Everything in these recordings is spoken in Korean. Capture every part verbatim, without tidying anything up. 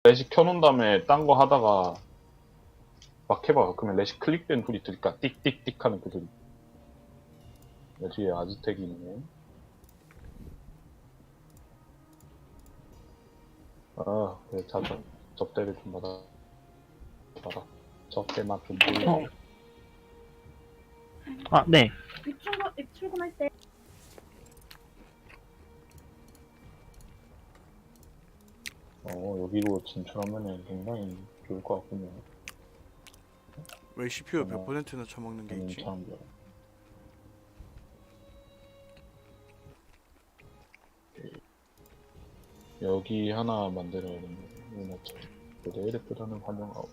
레시 켜놓은 다음에 딴 거 하다가 막 해봐. 그러면 레시 클릭된 소리 들릴까? 띡띡띡 하는 그 소리. 야, 뒤에 아즈텍이 있네. 아, 그래, 자자. 접대를 좀 받아. 받아. 접대 맛좀 보이고. 어. 아, 네. 출근, 출근할 때 어, 여기로 진출하면은 굉장히 좋을 것 같군요. 왜 씨피유 어, 백 퍼센트나 처먹는 게 저는 있지? 참, 여기 하나 만들어야 되는데, 내일에프라는 환영하고,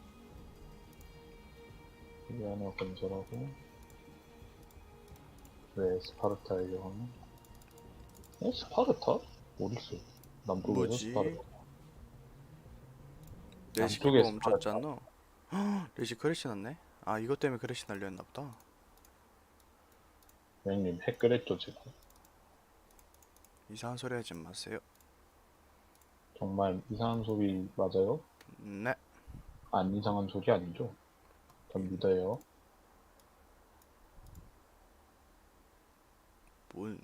여기 하나 건설하고, 왜 스파르타의 여왕은? 어? 스파르타? 어딨어? 남쪽에서 뭐지? 스파르타. 레시키가 남쪽에 멈췄잖아. 헉, 레시 크래시 났네? 아 이것 때문에 크래시 날렸나 보다. 형님, 핵 끓였죠, 지금? 이상한 소리 하지 마세요. 정말 이상한 소리 맞아요? 네. 안 이상한 소리 아니죠? 전 믿어요. 뭔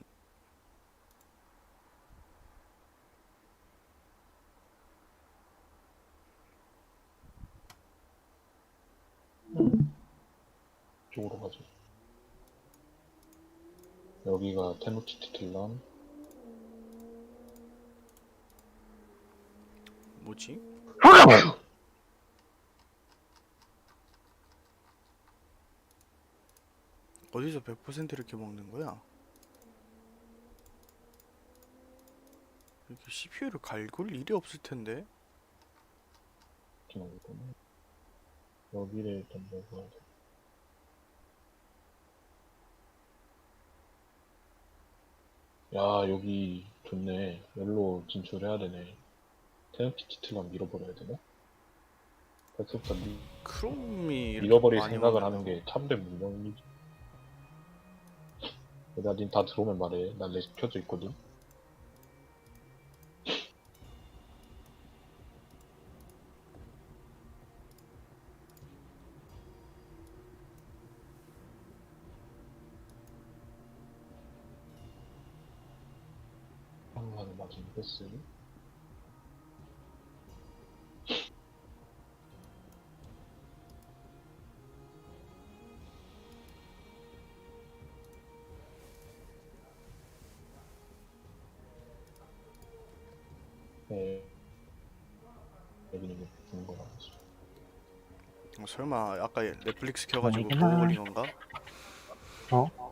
이쪽으로 가죠. 여기가 테노치티틀란. 뭐지? 어디서 백 퍼센트 이렇게 먹는 거야? 이렇게 씨피유를 갈굴 일이 없을 텐데. 여기를 일단 먹어야 돼. 야, 여기 좋네. 여기로 진출해야 되네. 테노치티틀란 밀어버려야 되나? 벌써부터 미, 크롬이 이렇게 밀어버릴 많이 생각을 먹는 하는 게 참된 문명이지. 나 닌 다 들어오면 말해. 난 레시 켜져 있거든. 한번에 맞은 패스. 네. 여기는 뭐 좋은 거 나왔어. 어, 설마 아까 넷플릭스 켜가지고 아니구나. 보고 걸린 건가? 어?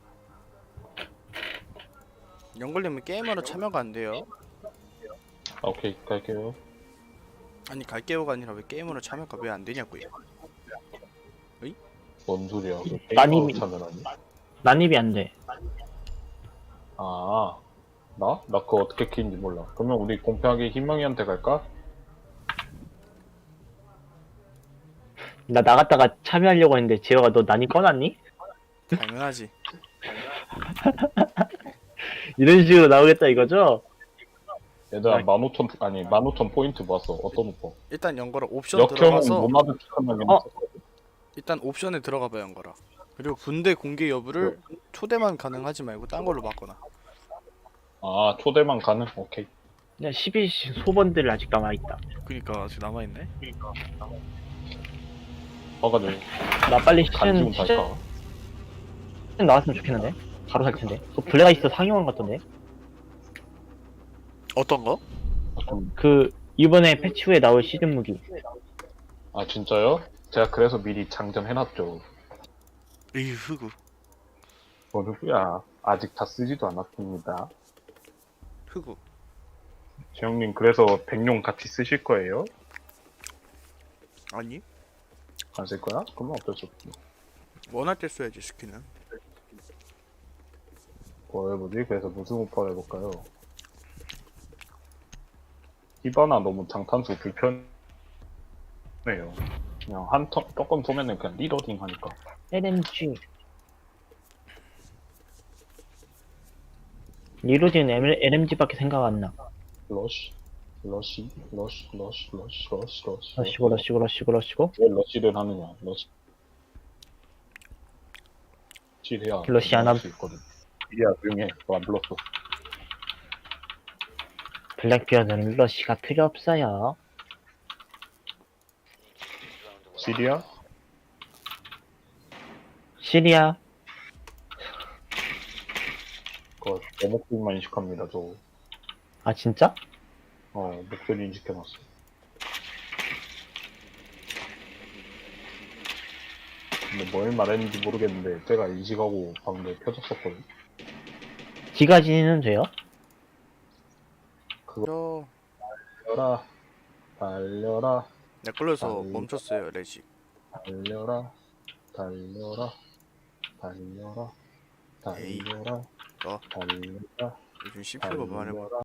연걸리면 게임으로 참여가 안 돼요. 아, 오케이, 갈게요. 아니 갈게요가 아니라 왜 게임으로 참여가 왜 안 되냐고요. 뭔 소리야? 그 난입이- 게임아웃 하면 아니? 난입이 안 돼. 아, 나? 나 그거 어떻게 키는지 몰라. 그러면 우리 공평하게 희망이한테 갈까? 나 나갔다가 참여하려고 했는데 지호가 너 난입 꺼놨니? 당연하지. 이런 식으로 나오겠다 이거죠? 얘들아, 아. 만 오천, 아니, 만 오천 포인트 모았어. 어떤 오빠? 일단 연거라 옵션 역형은 들어가서 노마드 티커나게 어? 있었거든. 일단 옵션에 들어가봐 연거라. 그리고 군대 공개 여부를 초대만 가능하지 말고 딴 걸로 바꿔놔. 아, 초대만 가능? 오케이. 그냥 십일 시 소번들 아직 남아있다. 그니까 아직 남아있네. 봐가지고, 나 빨리 간지운 시즌, 달까? 시즌 나왔으면 좋겠는데? 바로 살 텐데. 그 블랙아이스 상영한 것 같던데? 어떤 거? 그, 이번에 패치 후에 나올 시즌 무기. 아, 진짜요? 제가 그래서 미리 장전해놨죠. 에이 흑우. 뭔 소리야. 아직 다 쓰지도 않았습니다. 흑우. 지영님, 그래서 백룡 같이 쓰실 거예요? 아니 안 쓸 거야? 그러면 어쩔 수 없지. 원할 때 써야지 스킨은. 뭐 해보지? 그래서 무슨 오퍼를 해볼까요? 히바나 너무 장탄수 불편해요. 그냥 한 턴, 조금 쏘면은 그냥 리로딩 하니까. 엘엠지. 리로진 엘엠지밖에 생각 안 나. 러쉬. 러시 러시 러시 러시 러시 러시 러시고 러시고 러시고 러시고 왜 러시를 하느냐 러시 러시해야 러시 안 함. 수 있거든. 이리야 조용해. 너 안 불렀어. 블랙비어드는 러시가 필요 없어요. 시리아? 시리아 그거 내 목소리만 인식합니다. 저 아 진짜? 어, 목소리 인식해놨어. 근데 뭘 말했는지 모르겠는데 제가 인식하고 방금 켜졌었거든. 지가지는 돼요? 그거 저 달려라 달려라 내 걸려서 아이. 멈췄어요 레식. 달려라 달려라 달려라 에이. 달려라 어 달려라 요즘 씨피유가 많이 달려라